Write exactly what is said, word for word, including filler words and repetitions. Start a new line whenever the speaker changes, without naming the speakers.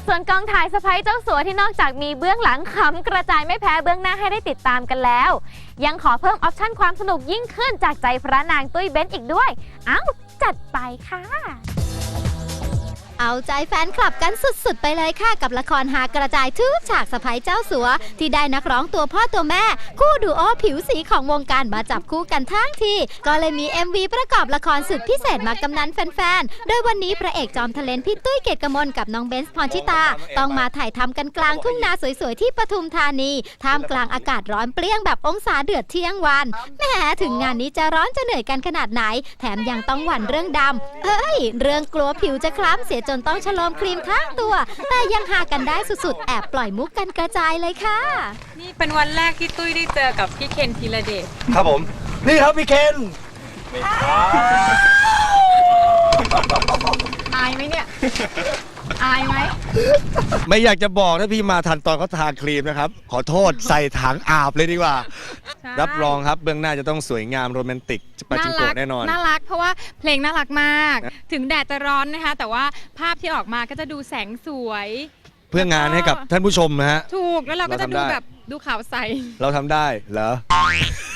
ส่วนกองถ่ายสะใภ้เจ้าสัวที่นอกจากมีเบื้องหลังขำกระจายไม่แพ้เบื้องหน้าให้ได้ติดตามกันแล้วยังขอเพิ่มออปชั่นความสนุกยิ่งขึ้นจากใจพระนางตุ้ยเบ้นอีกด้วยเอ้าจัดไปค่ะ
เอาใจแฟนคลับกันสุดๆไปเลยค่ะกับละครหากระจายทุกฉากสะใภ้เจ้าสัวที่ได้นักร้องตัวพ่อตัวแม่คู่ดูโอผิวสีของวงการมาจับคู่กันทั้งทีก็เลยมี เอ็ม วี ประกอบละครสุดพิเศษมากำนันแฟนๆโดยวันนี้พระเอกจอมทะเลนพี่ตุ้ยเกตกมลกับน้องเบนซ์พรชิตาต้องมาถ่ายทำกันกลางทุ่งนาสวยๆที่ปทุมธานีท่ามกลางอากาศร้อนเปรี้ยงแบบองศาเดือดเที่ยงวันแหมถึงงานนี้จะร้อนจะเหนื่อยกันขนาดไหนแถมยังต้องหวั่นเรื่องดำเอ้ยเรื่องกลัวผิวจะคล้ำเสียจนต้องฉลมครีมทั้งตัวแต่ยังหากันได้สุดๆแอบปล่อยมุกกันกระจายเลยค่ะ
นี่เป็นวันแรกที่ตุ้ยได้เจอกับพี่เคนธีรเดช
ครับผมนี่ครับพี่เคน
อายไหมเนี่ยอายไหม
ไม่อยากจะบอกถ้าพี่มาทันตอนเขาทาครีมนะครับขอโทษใส่ถังอาบเลยดีกว่ารับรองครับเบื้องหน้าจะต้องสวยงามโรแมนติกปาจิงโกะแน่นอน
น่ารักเพราะว่าเพลงน่ารักมากถึงแดดจะร้อนนะคะแต่ว่าภาพที่ออกมาก็จะดูแสงสวย
เพื่องานให้กับท่านผู้ชมนะฮะ
ถูกแล้วเราก็จะดูแบบดูขาวใส
เราทำได้เหรอ